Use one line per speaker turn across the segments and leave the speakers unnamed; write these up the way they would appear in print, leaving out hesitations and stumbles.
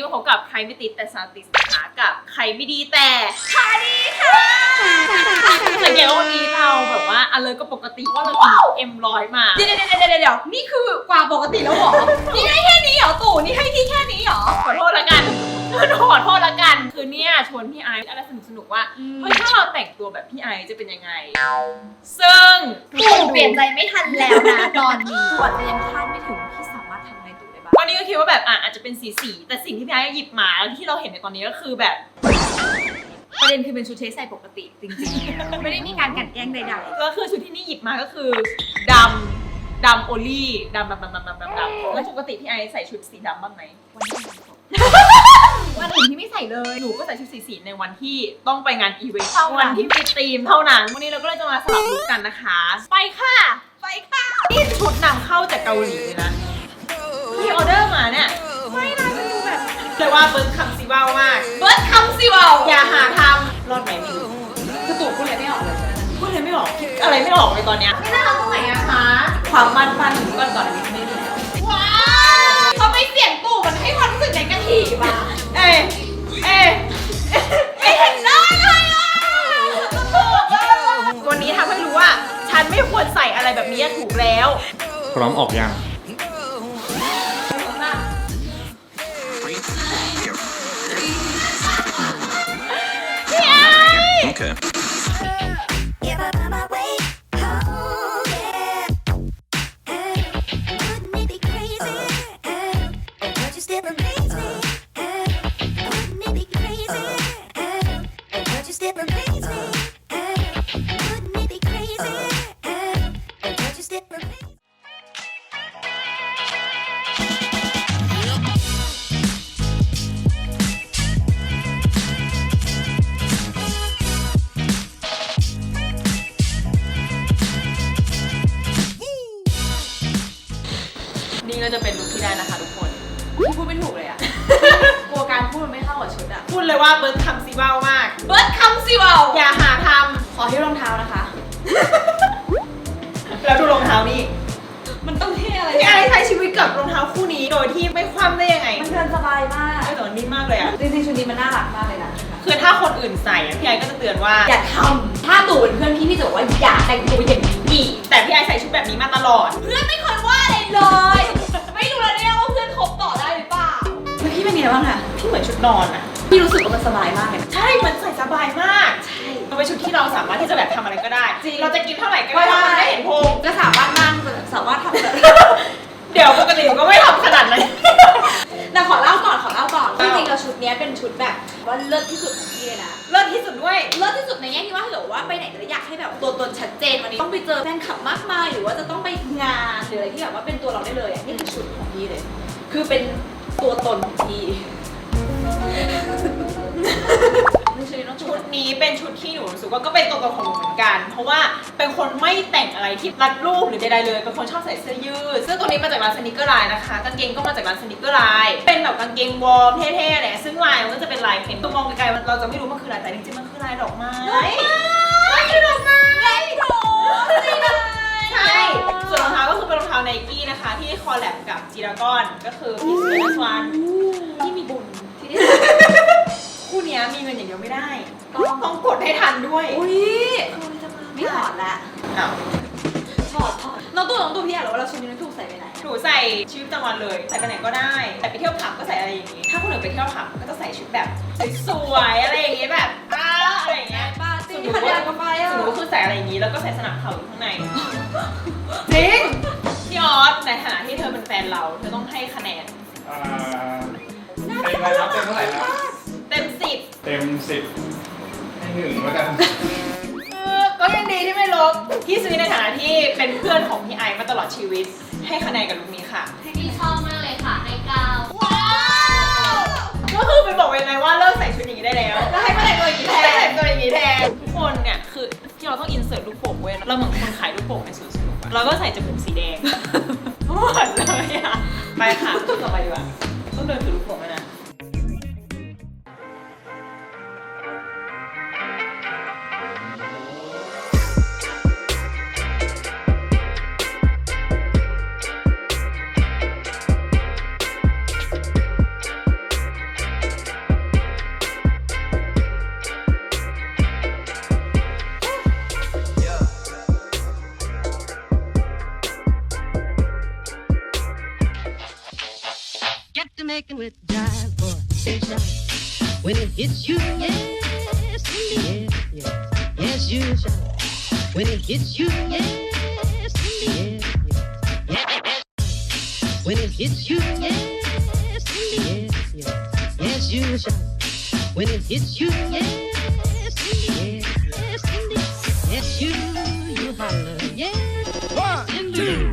มาพบกับใครไม่ติดแต่สาวติดนะคะกับใครไม่ดีแต่คาดีค่ะสังเกตว่าวันนี้เราแบบว่าอะไรก็ปกติว่าเรากินM100มา
เดี๋ยวนี่คือกว่าปกติแล้วหรอ นี่ให้แค่นี้เหรอตู่นี่ให้ที่แค่นี้เหรอ
ขอโทษละกันขอโทษละกันคือเนี่ยชวนพี่ไอซ์อะไรสนุกว่าเฮ้ยถ้าเราแต่งตัวแบบพี่ไอซ์จะเป็นยังไงซึ่ง
ตู่เปลี่ยนใจไม่ทันแล้วนะตอนนี้ก่อนจะยังคาดไม่ถึงที่สามารถทำอะไรตู่ได้บ้าง
ตอนนี้ก็คิดว่าแบบอาจจะเป็นสีแต่สิ่งที่พี่ไอซ์หยิบมาแล้วที่เราเห็นในตอนนี้ก็คือแบบ
ประเด็นคือเป็นชุดเทสใส่ปกติจริงๆไม่ได้มีการกันแกล้งใดๆ
ก็คือชุดที่นี่หยิบมาก็คือดำโอลี่ดำแล้วปกติพี่ไอซ์ใส่ชุดสีดำบ้างไหม
วันอื่นที่ไม่ใส่เลย
หนูก็ใส่ชุดสีในวันที่ต้องไปงานอีเวนต์วันที่มีธีมเท่านั้นวันนี้เราก็เลยจะมาสลับลุคกันนะคะไปค่ะนี่ชุดนำเข้าจากเกาหลีเลยนะที่ออเดอร์มาเนี่ย
ไม่นะมันดูแบบ
แต่ว่าเบิร์ดคำซีว่าวมากอย่าหาทำรอดไหมไม่รู้
คือตู่พูดอะไรไม่ออกเลย
พูดอะไรไม่ออกคิดอะไรไม่ออกเลยตอนเนี้ย
ไม่น่ารักตรงไหนอะคะ
ความมันถึงก่อนอันนี้ไม่ได้แล้ว
ว้าวทำไมเสียงตู่มันให้ความรู้สึกในกะทิบ้าไม่เห็นได้เลยอ่ะ
วันนี้ทำให้รู้ว่าฉันไม่ควรใส่อะไรแบบนี้ถูกแล้ว
พร้อมออกยังโอเค
นี่ก็จะเป็นลุคที่ได้นะคะทุกคน
พูดไม่ถูกเลยอะกลัวการพูดมันไม่เข้ากับชุดอะ
พูดเลยว่าเบิร์ดคำซีว่าวมากอย่าหาท
ำขอที่รองเท้านะคะ
แล้วดูรองเท้านี่
มันต้องเท่อะไร
พี่ไอซ์ใช้ชีวิตกับรองเท้าคู่นี้โดยที่ไม่คว่ำได้ยังไง
มันเดินสบายมาก
แต่มันนิ่มมากเลยอะ
จริงๆชุดนี้มันน่ารักมากเลยนะ
คือถ้าคนอื่นใส่พี่ไอซ์ก็จะเตือนว่า
อย่าทำถ้าตู่เป็นเพื่อนพี่จะบอกว่าอย่าแต่งตัวอย่างนี้อีก
แต่พี่ไอซ์ใส่ชุดแบบนี้มาตลอด
เพื่อนไม่เคยว่าอะไรเลยไม่รู้แล้วเนี่ยว่าเพื่อนคบต่อได้หรือเปล่าแล้วพี่เป็นไงบ้างอะ
พี่เหมือนชุดนอนอะ
พี่รู้สึกว่ามันสบายมากเลย
ใช่มันใส่สบายมาก
ใช่
มันเป็นชุดที่เราสามารถที่จะแบบทำอะไรก็ได้เราจะกินเท่าไหร่ก็ได้มันได้เห็นพุง
ก็สามารถนั่งสามารถทำแบบ
เดี๋ยวปกติหนูก็ไม่ทำขนาดนั้น
แต่ขอเล่าก่อนจริงๆแล้วชุดนี้เป็นชุดแบบว่าเลิศที่สุดของพี่เลยนะ
เลิศที่สุดด้วย
เลิศที่สุดในแง่ที่ว่าถ้าเกิดว่าไปไหนจะอยากให้แบบตัวตนชัดเจนวันนี้ต้องไปเจอแฟนคลับมากมายหรือว่าจะต้องไปงานหรืออะไรที่แบบว่าเป็นตัวเราได้เลยนี่คือชุดของพี่เลยคือเป็นตัวตนของพี่
ชุดนี้เป็นชุดที่หนูรู้สึกว่าก็เป็นตัวตนของหนูเหมือนกันเพราะว่าเป็นคนไม่แต่งอะไรที่รัดรูปหรือใดๆเลยเป็นคนชอบใส่เสื้อยืดเสื้อตัวนี้มาจากร้านสนิเกอร์ไลน์นะคะกางเกงก็มาจากร้านสนิเกอร์ไลน์เป็นแบบกางเกงวอร์มเท่ๆแหละซึ่งลายมันก็จะเป็นลายเพนตัวมองไกลๆเราจะไม่รู้มันคือลายแต่จริงๆมันคือลายดอกไม้
คือดอกไม้
ใช่ส่วนรองเท้าก็คือเป็นรองเท้าไนกี้นะคะที่คอลแลบกับจีรากอนก็คือพี่สุนันท์วันที่มีบุญที่ได้คู่นี้มีเงินอย่างเดียวไม่ได้ต้องกดให้ทันด้วย
อุ้ยไม่ถอดละถอดน้องตู่พี่อยากรู้ว่าเราชุดนี้ถูกใส่ไปไหน
หนูใส่ชีวิตประจำวันเลยใส่ไปไหนก็ได้แต่ไปเที่ยวผับก็ใส่อะไรอย่างนี้ถ้าคนอื่นไปเที่ยวผับก็จะใส่ชุดแบบสวยๆอะไรอย่างนี้แบบอะไรอย่างเงี้ย
ส่วนหนู
คือใส่อะไรอย่างนี้แล้วก็ใส่สนับเข่าอยู่ข้างในจริงพี่ออสในฐานะที่เธอเป็นแฟนเราเธอต้องให้คะแนน
เต็มอะไรครับเต็มเท่าไหร่ครับ
เต็ม10
ให้1แล้วกัน
ก็ยังดีที่ไม่ลบพี่ซื้อในฐานะที่เป็นเพื่อนของพี่ไอซ์มาตลอดชีวิตให้คะแนนกับลุคนี้ค่ะ
พี่ชอบมากเลยค่ะให้9
ว้าวก็คือไปบอกยังไงว่าเลิกใส่ชุดอย่างนี้ได้แล้ว
แล้วให้มาแต่งตัวอย่างนี้แท
นทุกคนเนี่ยคือที่เราต้องอินเสิร์ตลูกโป่งเว้ยเราเหมือนคนขายลูกโป่งในสวนสนุกเราก็ใส่จมูกสีแดงหมดเลยอะไปค่ะต่อไปดีกว่าต้องเดินถือลูกโป่งนะ
to making with jive boy. When it hits you, yes, indeed, yes, yes, you shall. When it hits you, yes, indeed, yes, yes. When it hits you, yes, indeed, yes, yes, you shall. When it hits you, yes, indeed, yes, indeed, yes, you holler, yes, indeed.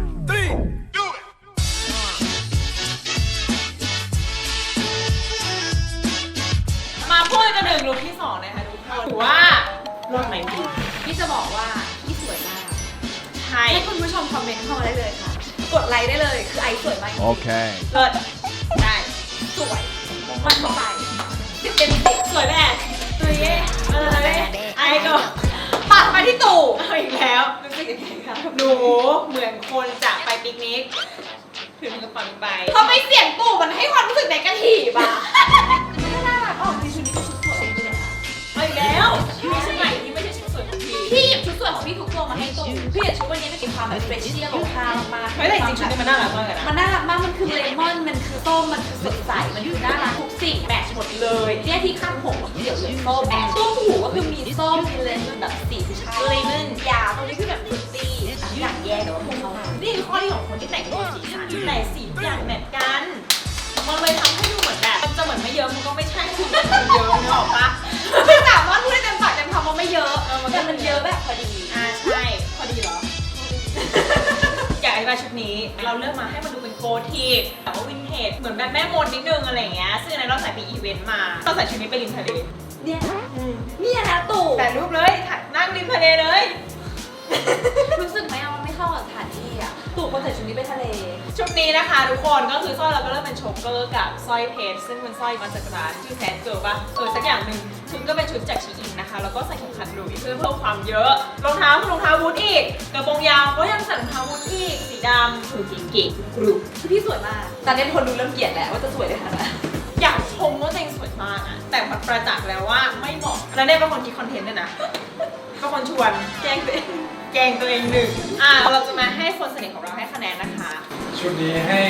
มาพูดกันหนึ่งลุคที่สองนะคะทุกคนถือว่าเลิศไหมพี่
พี่จะบอกว่าพี่สวยมาก
ใช่
ให้คุณผู้ชมคอมเมนต์เข้ามาได้เลยค่ะ กดไลค์ได้เลย คือไอซ์สวยมากจริง
Okay.
เลิศได้
ๆสวยมันใจ10 เต็ม 10
สวยแบบตัวเย่ไอ้ก็
ปัดมาที่ตู่
เอาอีกแล้วรู้สึกยังไงคะหนูเหมือนคนจะไปปิกนิกถือมือปังไป
ทำไมเสียงตู่มันให้ความรู้สึกในกระถีบอ่ะน่ารักออกจริงชุดนี้เป็นชุดสวยจริงๆนะคะ
เอาอีกแล้วมีชุดใหม่ที่ไม่ใช่ชุดสวยของพี่
พี่หยิบชุดสวยของพี่ทุกตัวมาให้ตู่พี่หยิบชุดวันนี้มันมีความแบบเฟรชชี่โลคาลมากๆ
เฮ้ยแต่จริงๆชุดนี้มันน่ารักมากเลยนะ
มันน่ารักมาก มันคือเลมอน มันคือส้ม มันคือสดใส มันคือน่ารักทุกสีแมทช์หมดเลยเนี่ยที่ข้างผมก็เดี๋ยวเลยส้มแมทช์ต้มหูก็คือมีส้ม มีเลมอนแบบสีผู้ชายเลมอนยาตรงนี้คือแบบฟรุตตี้อย่างแย่แต่ว่าผมเข้ามา
นี่คือข้อดีของคนที่แต่งตัวสีสันแต่สีทุกอย่างแมทกัน มันเลยทำให้ดูเหมือนแบบมันจะเหมือนไม่เยอะมันก็ไม่ใช่คือมันเยอะนึกออกปะ
ไม่สามารถพูดได้เต็มปากเต็มคำว่าไม่เยอะ แต่มันเยอะแบบพอดี
ใช่พอดีเหรอ อยากอธิบายชุดนี้เราเลือกมาให้มันดูเป็นโกทีแต่ว่าวินเทจเหมือนแบบแม่มดนิดนึงอะไรอย่างเงี้ยซึ่งอันนั้นเราใส่ไปอีเวนต์มาเราใส่ชุดนี้ไปริมทะเล
เนี่ยเนี่ยนะตู่
แต่รูปเลยนั่งริมทะเลเลย
รู้สึกไหมว่ามันไม่เข้ากับสถานที่อ่ะ ตู่คนใส่ชุดนี้ไปทะเล
ชุดนี้นะคะทุกคนก็คือสร้อยเราก็เริ่มเป็นโชกเกอร์กับสร้อยเพชรซึ่งเป็นสร้อยมาจากร้านชื่อแซนเกิร์ลป่ะสักอย่างหนึ่งชุดก็เป็นชุดจากชีอินนะคะแล้วก็ใส่เข็มขัดหลุยส์เพื่อเพิ่มความเยอะรองเท้าคือรองเท้าบูทอีกกระโปรงยาวก็ยังใส่รองเท้าบูทอีกสีดำคือเก๋ๆกรุบ
คือพี่สวยมาก ตอนนี้คนดูเริ่มเกลียดแหละว่าจะสวยได้ขนาดไหน
อยากชมว่าตัวเองสวยมากอะแต่มันประจักษ์แล้วว่าไม่เหมาะแล้วเนี่ยเป็นคนคิดคอนเทนต์ด้วยนะเป็นคนชวนแกล้งตัวเองหนึ่งเราจะมาให้คนสนิทของเราให้คะแนนนะคะ
ชุดนี้ให้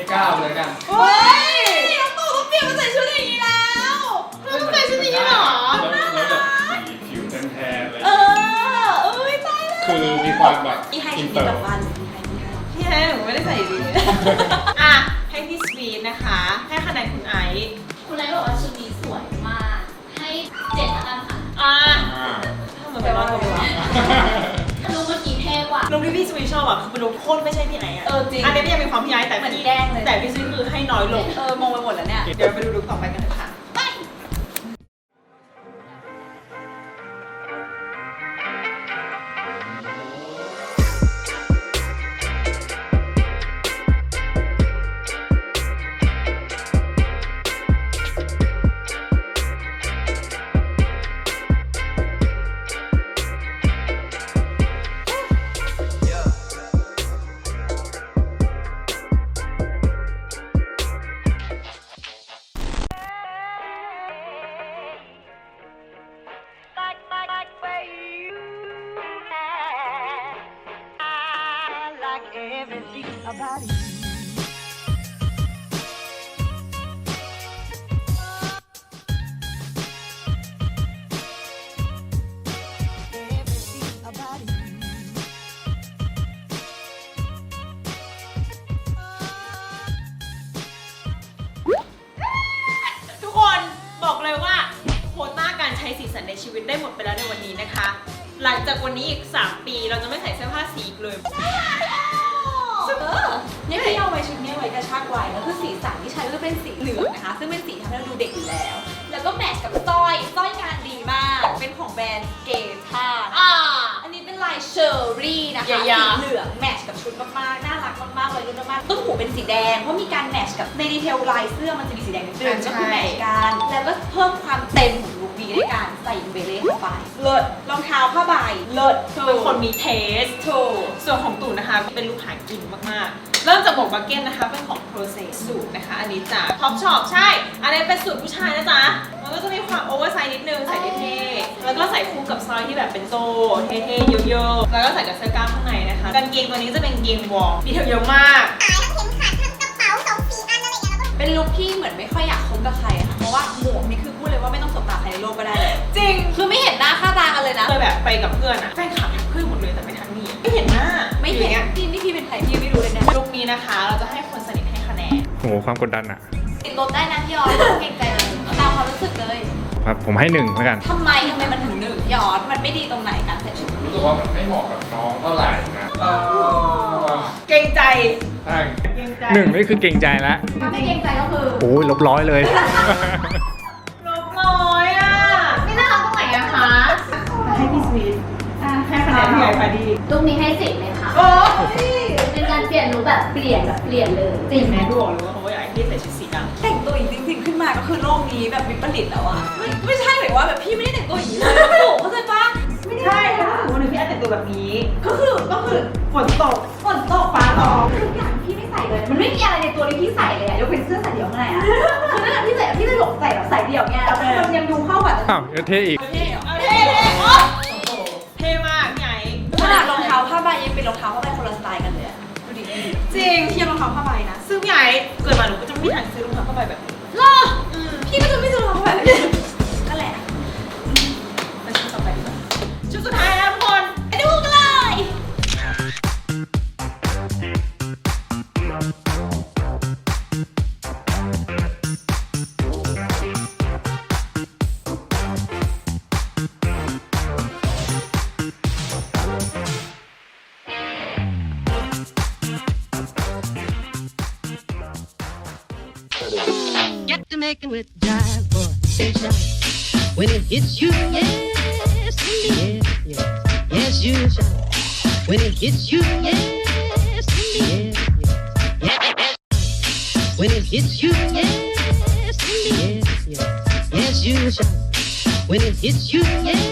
9เลยกัน
เฮ้ย
น้องตู่ต้องเปลี่ยนมาใส่ชุดอย่างนี้แล้ว
เราต้องใส่ชุดนี้เหรอ
แล้วแบบสีผิวแทนๆเลย
เอ้ยตายแล้ว
คือมีความแบบ
มีไฮ
อิ
ชี
น
วิ
เต
ต
อ
แบ
ร์
บวัน
พี่ให้หนูไม่ได้ใส่ดีให้พี่สวีทนะคะ ให้คะแนนคุณไอซ์
คุณไลท์บอกว่าชุดนี้สวยมาก ให้7ละกันค่ะ
ทำไมไปว่าเราวะ
ลุคเมื่อกี้เท่กว่า
ลุคที่พี่สวีทชอบอะคือเป็นลุคโคตรไม่ใช่พี่ไอซ์อะ
จริง
อันนี้ไม่ยังมีความพี่ไอซ์แต่
เหมือน
พี่
แกล้งเลย
แต่พี่สวีทคือให้น้อยลง
มองไปหมดแล้วเนี่ย
เดี๋ยวไปดูลุคต่อไปกันเถอะค่ะ ทุกคนบอกเลยว่าโควต้าการใช้สีสันในชีวิตได้หมดไปแล้วในวันนี้นะคะ หลังจากวันนี้อีก 3 ปีเราจะไม่ใส่เสื้อผ้าสีอีกเลย
เนี่ยพี่เอาไว้ชุดนี้ไว้กระชากไว้แล้วคือสีสันที่ใช้ก็เป็นสีเหลืองนะคะ ซึ่งเป็นสีทำให้เราดูเด็กอยู่แล้ว แล้วก็แมทช์กับสร้อยงานดีมาก เป็นของแบรนด์เกท่าอันนี้เป็นลายเชอร์รี่นะคะ
อย่า
สี
ๆ
เหลืองแมทช์กับชุดมากๆ น่ารักมากๆเลยรุ่นมากๆต้นหูเป็นสีแดง เพราะมีการแมทช์กับในดีเทลลายเสื้อมันจะมีสีแดงนิดนึงก็คือแมทช์กัน แล้วก็เพิ่มความเต็มของลุคนี้ด้วยการใส่เบเล่เข้าไปเลิศรองเท้าผ้าใบเลิศ
เป็นคนมีเทส
ถูก
ส่วนของตู่นะคะเป็นลูกหากินมากๆ เริ่มจากหมวกบักเก็ตนะคะเป็นของ Process สูตรนะคะ อันนี้จากท็อปช็อปใช่ อันนี้เป็นสูตรผู้ชายนะจ๊ะ มันก็จะมีความโอเวอร์ไซส์นิดนึงใส่เท่ๆแล้วก็ใส่คู่กับสร้อยที่แบบเป็นโซ่เท่ๆเยอะๆแล้วก็ใส่กับเสื้อกล้ามข้างในนะคะกางเกงตัวนี้จะเป็นกางเกงวอร์มดีเทลเยอะมาก
เป็นลุคที่เหมือนไม่ค่อยอยากคบกับใครอะค่ะเพราะว่าหมวกนี่คือพูดเลยว่าไม่ต้องสบตาใครในโลกก็ได้เลย
จริง
คือไม่เห็นหน้าค่าตากันเลยนะ
เคยแบบไปกับเพื่อนอะแฟนคลับทักเพื่อนหมดเลยแต่ไม่ทักนี่ไม่เห็นหน้า
ไม่เห็น
อยู่
พี่นี่พี่เป็นใครพี่ไม่รู้เลยเนี่ย
ลุคนี้นะคะ เราจะให้คนสนิทให้คะแนน
โหความกดดันอะ
ติดลบได้นะพี่ออสไม่ต้องเกรงใจเลยตามความรู้สึกเลย
ครับผมให้1แล้วกัน
ทำไมมันถึง1พี่ออสมันไม่ดีตรงไหนการใส่ชุด
รู้สึกว่ามันไม่เหมาะกับน้องเท่าไหร่นะ
เกรงใจ
ใช่
เกรงใจ
1นี่คือเก่งใจแล้ว
ถ้าไม่เกรงใจก็คือ
โอ้ยลบ100เลย
ลบน้อยอ่ะ
ไม่น่ารักตรงไหนอะคะ
ให้พี่สวีทให้คะแนนพี่ใหญ่พอดี
ลุคนี้ให้10เลยค่ะ
โอ้ย
เป็นการเปลี่ยนลุคแบบเปลี่ยนเลยจริง
แม่ดูออกเลยว่าเขาอยากให้พี่ใส่ชุดสีดำ
แต่งตัวอย่างจริงๆขึ้นมาก็คือโลกนี้แบบวิปริตแล้วอะไม่ใช่หมายว่าแบบพี่ไม่ได้แต่งตัวอย่างนี้เลยโอ้เข้าใจปะ
ไม่ใช่ถ้าสมมติวันหนึงพี่อาจแต่งตัวแบบนี้ ก็คือฝนตกฟ้าร้อง
ทุกอย่างพี่ไม่ใส่เลย มันไม่มีอะไรในตัวที่พี่ใส่เลยอะยกเป็นเสื้อใส่เดี่ยวข้างในอะคือนั่นแหละพี่ใส่อะพี่เลยหลงใส่แบบใส่เดี่ยวไงแล้วมันยังดูเข้ากับ
อ้าวเท่อีก
เท่เหรอ
เอาเท่โอ้โหเท่มากพี่ไง
ขนาดรองเท้าผ้าใบยังเป็นรองเท้าผ้าใบคนละสไตล์กันเลยอะดูดิ
จริง
เทียบรองเท้าผ้าใบนะ
ซึ่งพี่ไงเกิดมาหนูก็จะไม่มีทางซื้อรองเท้าผ้าใบแบบนี้
หรอพี่ก็จะไม่ซื้อรองเท้าผ้าใบแบบนี้นั่นแหละ
ไปชุดต่อไปดีกว่าชุดสุดท้ายแล้วทุกคน
ไปดูกันเลย
Get to making with jive, boy, say shout. When it hits you, yes, indeed, yes, yes, you shout. When it hits you, yes, indeed, yes, yes. When it hits you, yes, indeed, yes, yes, you shout. When it hits you,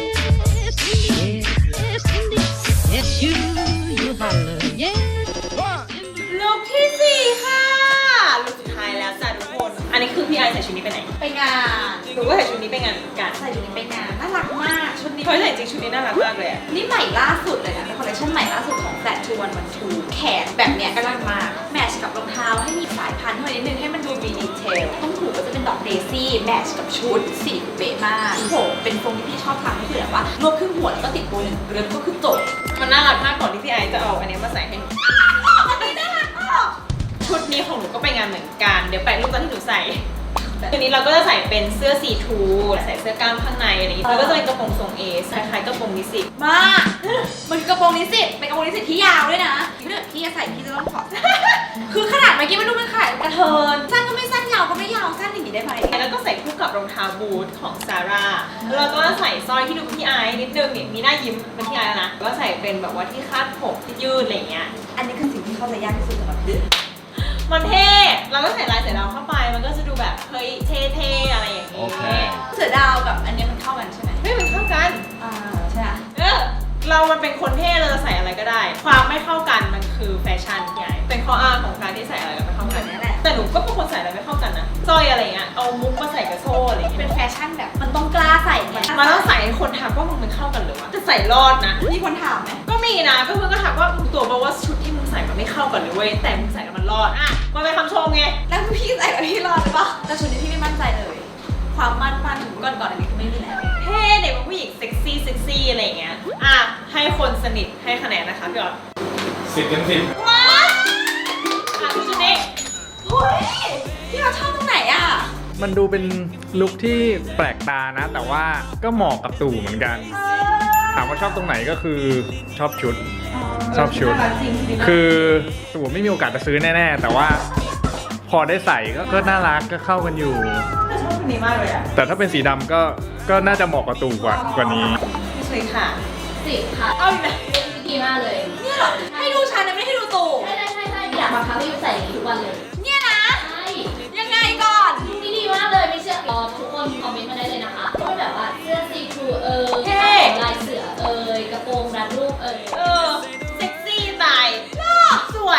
yes, indeed, yes, indeed, yes, you holler, yes.
ลุคที่สี่ค่ะลุคสุดท้ายแล้วจ้ะทุกคน อันนี้คือพี่ไอใส่ชุดนี้ไปไหน
ไปงาน
หนูก็ใส่ชุดนี้ไปงานเหมือนกัน
ใส่ชุดนี้ไปงานน่ารักมากชุดนี้
เฮ้ยแต่จริงๆชุดนี้น่ารักมากเลยอะ
นี่ใหม่ล่าสุดเลยนะเป็นคอลเลคชันใหม่ล่าสุดของ Flat to 112แขนแบบเนี้ยก็น่ารักมากแมทช์กับรองเท้าให้มีสายพันธุ์เข้ามานิดนึงให้มันดูมีดีเทลต้องถูกก็จะเป็นดอกเดซี่แมทช์กับชุดสีเป๊ะมากโอ้โหเป็นทรงที่พี่ชอบทำก็คือแบบว่ารวบครึ่งหัวแล้วก็ติดโบว์หนึ่งเรือนก็คือจบ
มันน่ารักมากก่อนที่พี่ไอจะเอาอันนี้มาใส่ให้หนู
อันนี้น่ารักมาก
ชุดนี้ของหนูก็ไปงานเหมือนกัน เดี๋ยวแปะรูปตอนที่หนูใส่ทีนี้เราก็จะใส่เป็นเสื้อสีทูใส่เสื้อกล้ามข้างในอะไรอย่างงี้แล้วก็จะเป็นกระโปรงทรงเอสคล้ายๆกระโปรงนิสิต
มากมันคือกระโปรงนิสิตเป็นกระโปรงนิสิตที่ยาวด้วยนะถ้าเกิดพี่จะใส่พี่จะต้องถอด คือขนาดเมื่อกี้มันดูเป็นขนาดกระเทินสั้นก็ไม่สั้นยาวก็ไม่ยาวสั้นอย่างนี้ได้ไหม
แล้วก็ใส่คู่กับรองเท้าบูทของซาร่าแล้วเราก็ใส่สร้อยที่ดูเป็นพี่ไอนิดนึงเนี่ยมีหน้ายิ้มเป็นพี่ไอแล้วนะก็ใส่เป็นแบบว่าที่คาดผมที่ยืดอะไรอย่างเงี้ย
อันนี้คือสิ่งที่เข้าใจยากที่สุดสำหรับพี่
มันเท่ เราก็ใส่ลายเสือดาวเข้าไป มันก็จะดูแบบเฮ้ยเท่ๆอะไรอย่างนี้
โอเค
เสือดาวกับอันนี้มันเข้ากันใช่ไหม
เฮ้ยมันเข้ากัน
ใช่ไหม
เรามันเป็นคนเท่เราจะใส่อะไรก็ได้ ความไม่เข้ากันมันคือแฟชั่นใหญ่เป็นข้ออ้างของการที่ใส่อะไรแล้วไม่เข้า
แบ
กัน
บนี้แหละ
แต่หนูก็เป็นคนใส่อะไรไม่เข้ากันนะสร้อยอะไรเงี้ย เอามุกมาใส่กับโซ่อะไรเงี้ย
เป็นแฟชั่นแบบมันต้องกล้าใส่ไง
มันต้องใส่ให้คนทักว่ามึงมันเข้ากันหรือวะจะใส่รอดนะ
มีคนถามไหม
ก็มีนะ ก็เพื่อนก็ทักว่ามึงตัวบอกว่าชุดที่มึงใส่มันไม่เข้ากันเลยเว้ย แต่มึงใส่แล้วมันรอด อ่ะ มันเป็นคำชมไง
แล้วพี่ใส่แล้วพี่รอดหรือเปล่าแต่ชุดนี้พี่ไม่มั่นใจเลย ความมั่นถึงก่อนอันนี้คือไม่มีแล้ว
เท่เด็กเป็นผู้หญิงเซ็กซี่อะไรเงี้ย อ่ะ ให้คนสนิทให้คะแนนนะคะพี่ออส
10 เต็ม 10
ว้าวอ่ะชุดนี้
เฮ้ยพี่เราชอบตรงไหนอ่ะ
มันดูเป็นลุคที่แปลกตานะ แต่ว่าก็เหมาะกับตู่เหมือนกัน ถามว่าชอบตรงไหนก็คือชอบชุด ชอบชุด คือตู่ไม่มีโอกาสจะซื้อแน่ๆ แต่ว่าพอได้ใส่ก็น่ารักก็เข้ากันอยู่
ชอบชุดนี้มากเลยอ่ะ
แต่ถ้าเป็นสีดำก็น่าจะเหมาะกับตู่กว่านี้
พี่ชุยค่ะ
10 ค่ะ
เอาอีกแล้ว
ดีมากเลย
เนี่ยเหรอให้ดูฉันนะไม่ได้ให้ดูตู่
ใช่อยากมาคับให้ยูใส่ทุกวันเลย
เนี่ยนะ
ใช่
ยังไงก่อน
ลุคนี้ดีมากเลยไม่เชื่อรอทุกคนคอมเมนต์มาได้เลยนะคะก็เป็นแบบว่าเสื้อซีทรูลายเสือกระโปรงรัดรูป
เซ็กซี่ตายสวย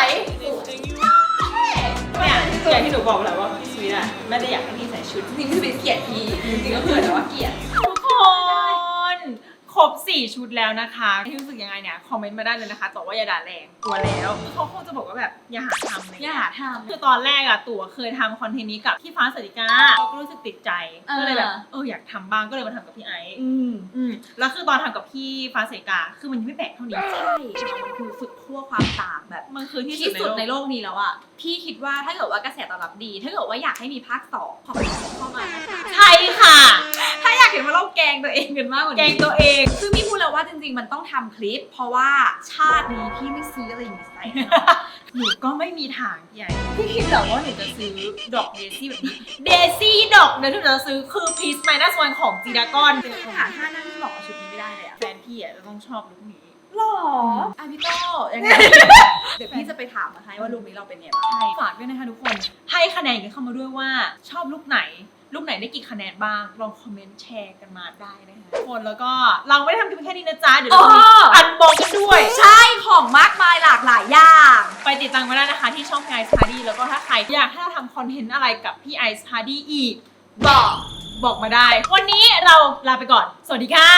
เนี่ยอย่างที่หนูบอกแหละว่าพี่สวีทอะไม่ได้อยากให้พี่ใส่ชุด
จริงๆคือเป็นเกียรติพี่จริงๆก็คือแต่ว่าเกียรติ
ทุกคนคครบ 4 ชุดแล้วนะคะที่รู้สึกยังไงเนี่ยคอมเมนต์มาได้เลยนะคะแต่ว่าอย่าด่าแรงตัวแล้วเขาคงจะบอกว่าแบบอย่าหาทำเลย
อย่าทำ
คือตอนแรกอะตั๋วเคยทำคอนเทนต์นี้กับพี่ฟ้าสริกาเราก็รู้สึกติดใจก็เลยแบบอยากทำบ้างก็เลยมาทำกับพี่ไอซ์แล้วคือตอนทำกับพี่ฟ้าสริกาคือมันยังไม่แปลกเท่านี้
ใช่มันคือสุดขั้วความต่างแบบ
มันคือที่
ที่สุดใน
โลก
โลกนี้แล้วอ่ะพี่คิดว่าถ้าเกิดว่ากระแสตอบรับดี ถ้าเกิดว่าอยากให้มีภาค2ขอเข้ามานะคะ
ใช่ค่ะ
ถ้าอยากเห็นว่าเราแกล้งตัวเองกันมากกว่านี้
แกงตัวเอง
ซึ่งพี่พูดแล้วว่าจริงๆมันต้องทำคลิป เพราะว่าชาตินี้พี่ไม่ซื้ออะไรอย่างนี้ใส่
หนูก็ไม่มีทางใหญ่พี่คิดเหรอว่าหนูจะซื้อดอกเดซี่แบบนี้เดซี่ดอกเดี๋ยวหนูจะซื้อคือพีซไมนัสวันของจีดากอน
หาท่านั่งที่เหมาะกับชุดนี้ไม่ได้เลยอะ
แฟนพี่อะจะต้องชอบลุคนี้
หรออ่ะพี่โต้ยังไง เดี๋ยวพี่จะไปถามมาให้ว่าลุคนี้เราเป็นไงบ้าง
ใช่ฝากด้วยนะคะทุกคนให้คะแนนกันเข้ามาด้วยว่าชอบลุคไหนลุคไหนได้กี่คะแนนบ้างลองคอมเมนต์แชร์กันมาได้นะคะทุกคนแล้วก็เราไม่ได้ทำแค่นี้นะจ๊ะเดี๋ยวเรามีอันบอกกันด้วย
ใช่ของมากมายหลากหลายอย่าง
ไปติดตามมาได้นะคะที่ช่องพี่ไอซ์พาร์ดี้แล้วก็ถ้าใครอยากให้เราทำคอนเทนต์อะไรกับพี่ไอซ์พาร์ดี้อีกบอกมาได้ วันนี้เราลาไปก่อนสวัสดีค่ะ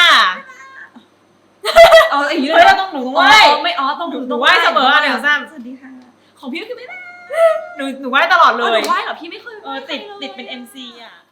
เอาอย่างนี้เล
เฮ้ย
ย
เราต้องหนูต้องไหว้
ไม่ต้อง
หนูไหว้เสมออ่ะหนึ่งสาม
สวัสดีค่ะของพี่ก็คือไม่ได้
หนูไหว้ตลอดเล
ห
ย
นูไหว้เหรอพี่ไม่เคย
ติดเป็น MC อ่ะ